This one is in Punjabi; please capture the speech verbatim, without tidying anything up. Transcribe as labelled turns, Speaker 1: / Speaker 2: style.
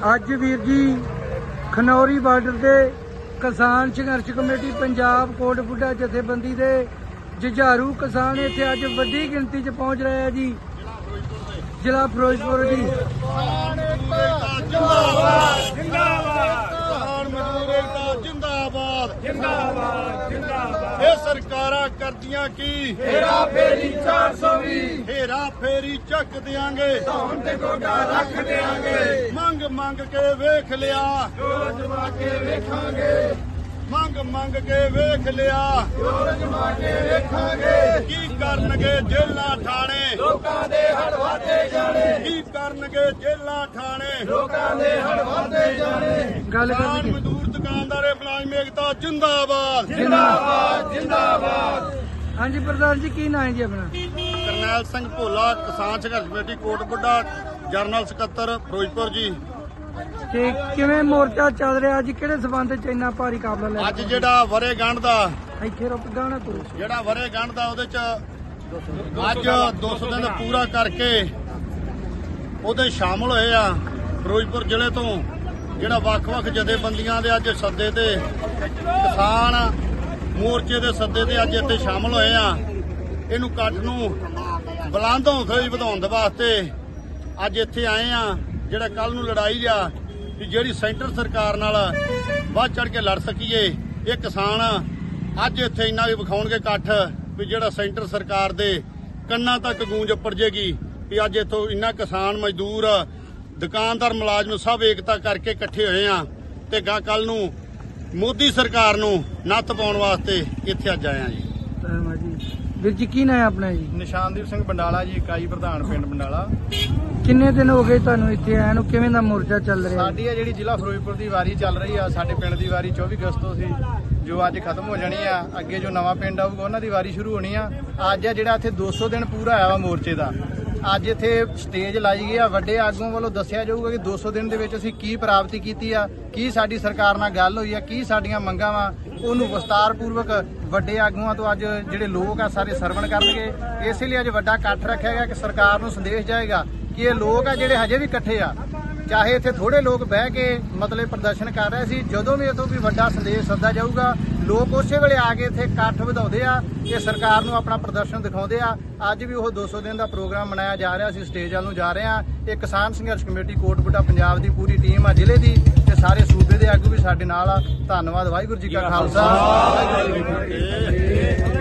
Speaker 1: ਅੱਜ ਵੀਰ ਜੀ ਖਨੌਰੀ ਬਾਰਡਰ ਤੇ ਕਿਸਾਨ ਸੰਘਰਸ਼ ਕਮੇਟੀ ਪੰਜਾਬ ਕੋਟਬੁੱਢਾ ਜਥੇਬੰਦੀ ਦੇ ਜੁਝਾਰੂ ਕਿਸਾਨ ਇੱਥੇ ਅੱਜ ਵੱਡੀ ਗਿਣਤੀ 'ਚ ਪਹੁੰਚ ਰਹੇ ਆ ਜੀ। ਜ਼ਿਲ੍ਹਾ ਫਿਰੋਜ਼ਪੁਰ ਦੀ
Speaker 2: ਜਿੰਦਾਬਾਦ ਕਿਸਾਨ ਮਜ਼ਦੂਰ ਏਕਤਾ ਜਿੰਦਾਬਾਦ ਜਿੰਦਾਬਾਦ ਜਿੰਦਾਬਾਦ। ਇਹ ਸਰਕਾਰਾਂ ਕਰਦੀਆਂ ਕੀ ਹੇਰਾ ਫੇਰੀ ਚਾਰ ਸੌ ਵੀਹ ਹੇਰਾ ਫੇਰੀ ਚੱਕ ਦਿਆਂਗੇ ਧੌਣ ਤੇ ਗੋਡਾ ਰੱਖ ਦਿਆਂਗੇ। ਮੰਗ ਮੰਗ ਕੇ ਵੇਖ ਲਿਆ ਜੋਰ ਜਮਾ ਕੇ ਵੇਖਾਂਗੇ। ਮੰਗ ਮੰਗ ਕੇ ਵੇਖ ਲਿਆ ਜੋਰ ਜਮਾ ਕੇ ਵੇਖਾਂਗੇ। ਕੀ ਕਰਨਗੇ ਜੇਲਾਂ ਠਾਣੇ ਲੋਕਾਂ ਦੇ ਹੜ ਵਾਧੇ ਜਾਣੇ। ਕੀ ਕਰਨਗੇ ਜੇਲਾਂ ਠਾਣੇ ਲੋਕਾਂ ਦੇ ਹੜ ਵਾਧੇ ਜਾਣੇ।
Speaker 1: ਗੱਲ
Speaker 2: ਕਿਸਾਨ ਮਜ਼ਦੂਰ ਦੁਕਾਨਦਾਰੇ ਮੁਲਾਜ਼ਮ ਏਕਤਾ ਜਿੰਦਾਬਾਦ
Speaker 1: ਜਿੰਦਾਬਾਦ ਜਿੰਦਾਬਾਦ। ਹਾਂਜੀ ਪ੍ਰਧਾਨ ਜੀ, ਕੀ ਨਾਂ ਹੈ ਜੀ ਆਪਣਾ?
Speaker 2: ਕਰਨੈਲ ਸਿੰਘ ਭੋਲਾ, ਕਿਸਾਨ ਸੰਘਰਸ਼ ਕਮੇਟੀ ਕੋਟਬੁੱਢਾ, ਜਰਨਲ ਸਕੱਤਰ ਫਿਰੋਜ਼ਪੁਰ ਜੀ।
Speaker 1: ਤੇ ਕਿਵੇਂ ਮੋਰਚਾ ਚੱਲ ਰਿਹਾ ਅੱਜ? ਕਿਹੜੇ ਸਬੰਧ 'ਚ ਇੰਨਾ ਭਾਰੀ ਕਾਬਲਾ ਲੈ
Speaker 2: ਅੱਜ ਜਿਹੜਾ ਵਰੇ ਗੰਢ ਦਾ
Speaker 1: ਇੱਥੇ ਰੁਕ ਗਾਣਾ ਕਰੋ
Speaker 2: ਜਿਹੜਾ ਵਰੇ ਗੰਢ ਦਾ ਉਹਦੇ ਚ ਅੱਜ ਦੋ ਸੌ ਦਿਨ ਪੂਰਾ ਕਰਕੇ ਉਹਦੇ ਸ਼ਾਮਲ ਹੋਏ ਆ ਫਿਰੋਜ਼ਪੁਰ ਜ਼ਿਲ੍ਹੇ ਤੋਂ। ਜਿਹੜਾ ਵੱਖ-ਵੱਖ ਜਥੇਬੰਦੀਆਂ ਦੇ ਅੱਜ ਸੱਦੇ ਤੇ ਕਿਸਾਨ ਮੋਰਚੇ ਦੇ ਸੱਦੇ ਤੇ ਅੱਜ ਇੱਥੇ ਸ਼ਾਮਲ ਹੋਏ ਆ। ਇਹਨੂੰ ਇਕੱਠ ਨੂੰ ਬੁਲੰਦ ਹੌਸਲੇ ਵਧਾਉਣ ਦੇ ਵਾਸਤੇ ਅੱਜ ਇੱਥੇ ਆਏ ਆ। ਜਿਹੜਾ ਕੱਲ ਨੂੰ ਲੜਾਈ ਆ ਕਿ ਜਿਹੜੀ ਸੈਂਟਰ ਸਰਕਾਰ ਨਾਲ ਵੱਧ ਚੜ ਕੇ ਲੜ ਸਕੀਏ, ਇਹ ਕਿਸਾਨ ਅੱਜ ਇੱਥੇ ਇੰਨਾ ਵੀ ਵਿਖਾਉਣਗੇ ਇਕੱਠ ਵੀ ਜਿਹੜਾ ਸੈਂਟਰ ਸਰਕਾਰ ਦੇ ਕੰਨਾਂ ਤੱਕ ਗੂੰਜ ਉੱਪਰ ਜੇਗੀ ਵੀ ਅੱਜ ਇੱਥੋਂ ਇੰਨਾ ਕਿਸਾਨ ਮਜ਼ਦੂਰ ਦੁਕਾਨਦਾਰ ਮੁਲਾਜ਼ਮ ਸਭ ਏਕਤਾ ਕਰਕੇ ਇਕੱਠੇ ਹੋਏ ਆ ਤੇ ਗਾ ਕੱਲ ਨੂੰ ਮੋਦੀ ਸਰਕਾਰ ਨੂੰ ਨੱਥ ਪਾਉਣ ਵਾਸਤੇ ਇੱਥੇ ਅੱਜ ਆਏ ਆ ਜੀ।
Speaker 1: ਵੀਰ ਜੀ, ਕੀ ਨਾਂ ਹੈ ਆਪਣਾ ਜੀ?
Speaker 3: ਨਿਸ਼ਾਨਦੀਪ ਸਿੰਘ ਬੰਡਾਲਾ ਜੀ, ਇਕਾਈ ਪ੍ਰਧਾਨ ਪਿੰਡ ਬੰਡਾਲਾ।
Speaker 1: ਕਿੰਨੇ ਦਿਨ ਹੋ ਗਏ ਤੁਹਾਨੂੰ ਇੱਥੇ ਆਇਆ ਨੂੰ? ਕਿਵੇਂ ਦਾ ਮੋਰਚਾ ਚੱਲ ਰਿਹਾ?
Speaker 3: ਸਾਡੀ ਆ ਜਿਹੜੀ ਜ਼ਿਲ੍ਹਾ ਫਿਰੋਜ਼ਪੁਰ ਦੀ ਵਾਰੀ ਚੱਲ ਰਹੀ ਆ। ਸਾਡੇ ਪਿੰਡ ਦੀ ਵਾਰੀ ਚੌਵੀ ਅਗਸਤ ਤੋਂ ਸੀ, ਜੋ ਅੱਜ ਖਤਮ ਹੋ ਜਾਣੀ ਆ। ਅੱਗੇ ਜੋ ਨਵਾਂ ਪਿੰਡ ਆਊਗਾ ਉਹਨਾਂ ਦੀ ਵਾਰੀ ਸ਼ੁਰੂ ਹੋਣੀ ਆ। ਅੱਜ ਆ ਜਿਹੜਾ ਇੱਥੇ ਦੋ ਸੌ ਦਿਨ ਪੂਰਾ ਆਇਆ ਵਾ ਮੋਰਚੇ ਦਾ। ਅੱਜ ਇੱਥੇ ਸਟੇਜ ਲਾਈ ਗਈ ਆ। ਵੱਡੇ ਆਗੂਆਂ ਵੱਲੋਂ ਦੱਸਿਆ ਜਾਊਗਾ ਕਿ ਦੋ ਸੌ ਦਿਨ ਦੇ ਵਿੱਚ ਅਸੀਂ ਕੀ ਪ੍ਰਾਪਤੀ ਕੀਤੀ ਆ, ਕੀ ਸਾਡੀ ਸਰਕਾਰ ਨਾਲ ਗੱਲ ਹੋਈ ਆ, ਕੀ ਸਾਡੀਆਂ ਮੰਗਾਂ ਵਾ, ਉਹਨੂੰ ਵਿਸਤਾਰਪੂਰਵਕ ਵੱਡੇ ਆਗੂਆਂ ਤੋਂ ਅੱਜ ਜਿਹੜੇ ਲੋਕ ਆ ਸਾਰੇ ਸਰਵਣ ਕਰਨਗੇ। ਇਸੇ ਲਈ ਅੱਜ ਵੱਡਾ ਇਕੱਠ ਰੱਖਿਆ ਗਿਆ ਕਿ ਸਰਕਾਰ ਨੂੰ ਸੰਦੇਸ਼ ਜਾਏਗਾ ਕਿ ਇਹ ਲੋਕ ਆ ਜਿਹੜੇ ਹਜੇ ਵੀ ਇਕੱਠੇ ਆ। ਚਾਹੇ ਇੱਥੇ ਥੋੜੇ ਲੋਕ ਬਹਿ ਕੇ ਮਤਲਬ ਪ੍ਰਦਰਸ਼ਨ ਕਰ ਰਹੇ ਸੀ, ਜਦੋਂ ਵੀ ਇਥੋਂ ਵੀ ਵੱਡਾ ਸੰਦੇਸ਼ ਸੱਦਾ ਜਾਊਗਾ ਲੋਕ ਉਸੇ ਵੇਲੇ ਆ ਕੇ ਇੱਥੇ ਇਕੱਠ ਵਧਾਉਂਦੇ ਆ ਤੇ ਸਰਕਾਰ ਨੂੰ ਆਪਣਾ ਪ੍ਰਦਰਸ਼ਨ ਦਿਖਾਉਂਦੇ ਆ। ਅੱਜ ਵੀ ਉਹ ਦੋ ਸੌ ਦਿਨ ਦਾ ਪ੍ਰੋਗਰਾਮ ਮਨਾਇਆ ਜਾ ਰਿਹਾ। ਅਸੀਂ ਸਟੇਜ ਵੱਲ ਨੂੰ ਜਾ ਰਹੇ ਆ। ਇਹ ਕਿਸਾਨ ਸੰਘਰਸ਼ ਕਮੇਟੀ ਕੋਟਬੁੱਢਾ ਪੰਜਾਬ ਦੀ ਪੂਰੀ ਟੀਮ ਆ ਜ਼ਿਲ੍ਹੇ ਦੀ ਤੇ ਸਾਰੇ ਸੂਬੇ ਦੇ ਆਗੂ ਵੀ ਸਾਡੇ ਨਾਲ ਆ। ਧੰਨਵਾਦ। ਵਾਹਿਗੁਰੂ ਜੀ ਕਾ ਖਾਲਸਾ, ਵਾਹਿਗੁਰੂ ਜੀ ਕੀ ਫਤਿਹ।